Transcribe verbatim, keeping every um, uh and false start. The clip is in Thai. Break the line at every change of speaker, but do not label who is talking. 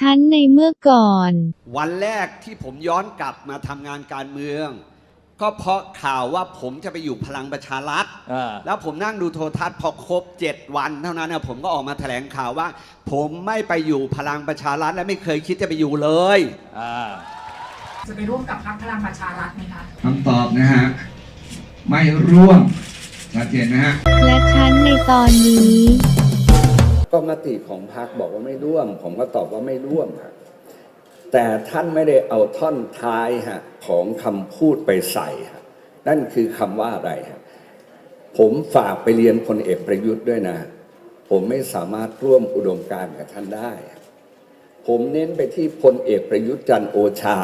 ฉันในเมื่อก่อน
วันแรกที่ผมย้อนกลับมาทำงานการเมืองก็เพราะข่าวว่าผมจะไปอยู่พลังประชารัฐแล้วผมนั่งดูโทรทัศน์พอครบเจ็ดวันเท่านั้นนะผมก็ออกมาแถลงข่าวว่าผมไม่ไปอยู่พลังประชารัฐและไม่เคยคิดจะไปอยู่เลย
จะไปร่วมกับพรรคพลังประชารัฐไหมคะ
คำตอบนะฮะไม่ร่วมชัดเจนนะฮะ
และฉันในตอนนี้
ก็มติของพรรคบอกว่าไม่ร่วมผมก็ตอบว่าไม่ร่วมฮะแต่ท่านไม่ได้เอาท่อนท้ายฮะของคำพูดไปใส่ฮะนั่นคือคำว่าอะไรฮะผมฝากไปเรียนพลเอกประยุทธ์ด้วยนะผมไม่สามารถร่วมอุดมการณ์กับท่านได้ผมเน้นไปที่พลเอกประยุทธ์จันทร์โอชา